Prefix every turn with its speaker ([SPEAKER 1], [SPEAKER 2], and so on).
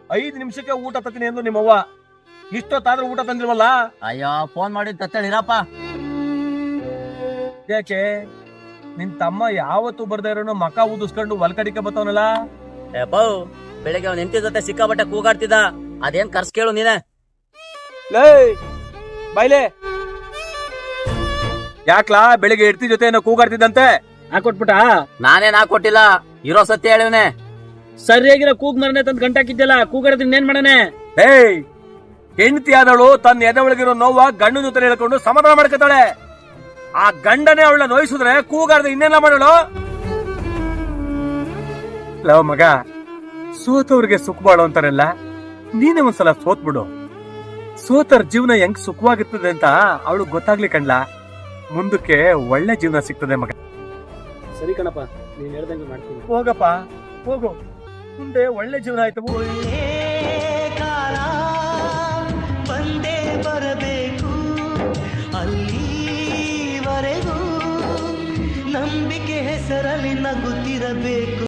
[SPEAKER 1] 5 ನಿಮಿಷಕ್ಕೆ ಊಟ ತತ್ತೀನಿ ಎಂದು ನಿಮ್ಮವ್ವ. ಇಷ್ಟೊತ್ತಾದ್ರೂ ಊಟ ತಂದಿಲ್ವಲ್ಲ?
[SPEAKER 2] ಅಯ್ಯೋ ಫೋನ್ ಮಾಡಿ ತತ್ತಳಿರಪ್ಪ.
[SPEAKER 1] ಯಾಕೆ ನಿನ್ ತಮ್ಮ ಯಾವತ್ತು ಬರ್ದೇ ಇರೋನು ಮಕ ಊದಿಸ್ಕೊಂಡು ಹೊಲ್ಕಡಿಕೆ ಬತ್ತವನಲ್ಲ?
[SPEAKER 2] ಏಪೋ ಬೆಳಿಗ್ಗೆ ಅವ್ನ ಹೆಂಡತಿ ಜೊತೆ ಸಿಕ್ಕಾಬಟ್ಟೆ ಕೂಗಾಡ್ತಿದ್ದ. ಅದೇನ್ ಕರ್ಸ್ ಕೇಳು ನೀನೆ.
[SPEAKER 1] ಲೇ ಬೈಲೆ, ಯಾಕ್ಲಾ ಬೆಳಿಗ್ಗೆ ಹೆಂಡತಿ ಜೊತೆ ಏನೋ ಕೂಗಾಡ್ತಿದ್ದಂತೆ? ಹಾಕೊಟ್ಬಿಟ್ಟ?
[SPEAKER 2] ನಾನೇನ್ ಹಾಕೊಟ್ಟಿಲ್ಲ, ಇರೋ ಸತ್ಯ ಹೇಳಿವ್ನೆ.
[SPEAKER 1] ಸರಿಯಾಗಿರೋ ಕೂಗ್ ಮರನೆ ತಂದ್ ಗಂಟಾಕಿದ್ದಲ್ಲ, ಕೂಗಾಡೋದ್ ಇನ್ನೇನ್ ಮಾಡನೆ? ಹೆಂಡತಿ ಆದವಳು ತನ್ನ ಎದೆ ಒಳಗಿರೋ ನೋವ ಗಂಡನ ಜೊತೆ ಹೇಳ್ಕೊಂಡು ಸಮಾಧಾನ ಮಾಡ್ಕೊತಾಳೆ. ಆ ಗಂಡನೇ ಅವಳನ್ನ ನೋಯಿಸಿದ್ರೆ ಕೂಗಾಡ್ದೆ ಇನ್ನೇನ ಮಾಡೋಳು? ಲವ್ ಮಗ, ಸೋತವ್ರಿಗೆ ಸುಖ ಬಾಳು ಅಂತಾರಲ್ಲ, ನೀನೇ ಒಂದ್ಸಲ ಸೋತ್ಬಿಡು. ಸೋತರ ಜೀವನ ಹೆಂಗ್ ಸುಖವಾಗಿರ್ತದೆ ಅಂತ ಅವಳು ಗೊತ್ತಾಗ್ಲಿ ಕಣ್ಲಾ. ಮುಂದಕ್ಕೆ ಒಳ್ಳೆ ಜೀವನ ಸಿಗ್ತದೆ ಮಗ.
[SPEAKER 3] ಸರಿ ಕಣಪ್ಪ, ನೀನ್ ಹೇಳ್ದಂಗೆ ಮಾಡ್ತೀನಿ.
[SPEAKER 1] ಹೋಗಪ್ಪ ಹೋಗು, ಮುಂದೆ ಒಳ್ಳೆ ಜೀವನ ಆಯ್ತು.
[SPEAKER 4] ಕಾಲ ಬಂದೇ ಬರಬೇಕು, ಅಲ್ಲಿವರೆಗೂ ನಂಬಿಕೆ ಹೆಸರಲ್ಲಿ ನಗುತ್ತಿರಬೇಕು.